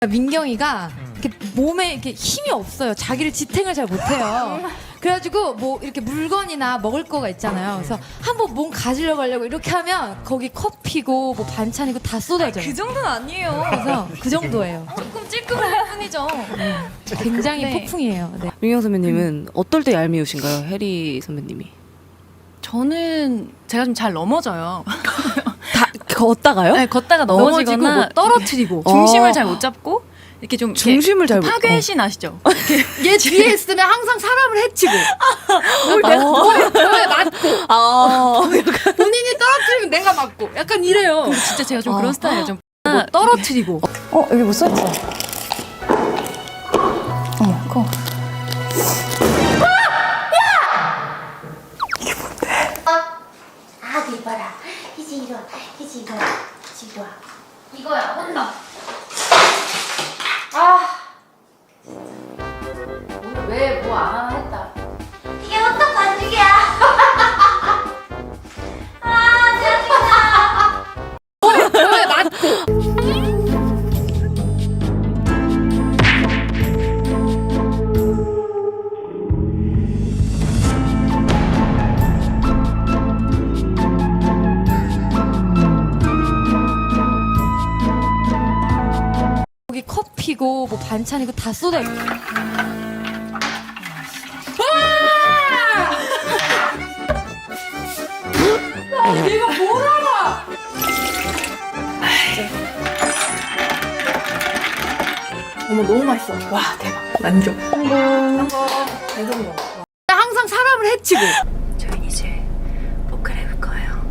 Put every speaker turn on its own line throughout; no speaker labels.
민경이가 이렇게 몸에 이렇게 힘이 없어요. 자기를 지탱을 잘 못해요. 그래가지고 뭐 이렇게 물건이나 먹을 거가 있잖아요. 그래서 한번 몸 가지려고 하려고 이렇게 하면 거기 커피고 뭐 반찬이고 다 쏟아져요.
그 정도는 아니에요.
그래서 그 정도예요.
조금 찔끔할 뿐이죠.
굉장히
네.
폭풍이에요. 네.
민경 선배님은 어떨 때 얄미우신가요? 해리 선배님이.
저는 제가 좀 잘 넘어져요.
다 걷다가요?
네, 걷다가
넘어지고
넘어지거나
뭐 떨어뜨리고
중심을 잘 못 잡고 이렇게 좀
중심을 잘 못-
파괴신 아시죠?
얘 뒤에 있으면 항상 사람을 해치고 뭘 맞고 본인이 떨어뜨리면 내가 맞고 약간 이래요.
근데 진짜 제가 좀 그런 스타일이에요. 좀
뭐 떨어뜨리고
여기 뭐 써있어? 어머, 그거.
아, 이봐라. 이제 이리 와. 이제 이리 와. 이제 이리 와. 이거야, 혼나. 오늘 왜 뭐 안 하나 했다. 이게 어떤 반죽이야?
뭘 맞고 거기 커피고 뭐 반찬이고 다 쏟아져. 내가 뭘 알아?
어머, 너무 맛있어. 와, 대박. 만족.
항상 사람을 해치고.
저희 이제 옷 갈아입을 거예요.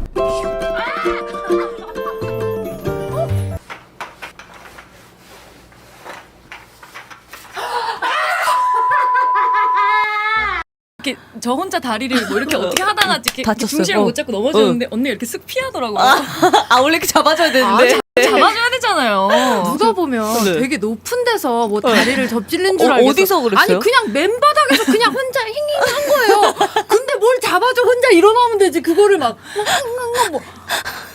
이렇게 저 혼자 다리를 뭐 이렇게 어떻게 하다가 이렇게
다쳤어요.
중심을 못 잡고 넘어졌는데 언니 이렇게 쓱 피하더라고요.
원래 이렇게 잡아줘야 되는데.
잡아줘야 되잖아요.
누가 보면
네.
되게 높은 데서 뭐 다리를 접질른 줄 알겠어.
어디서 그랬어요?
아니 그냥 맨바닥에서 그냥 혼자 힝힝한 거예요. 근데 뭘 잡아줘 혼자 일어나면 되지. 그거를 막 뭐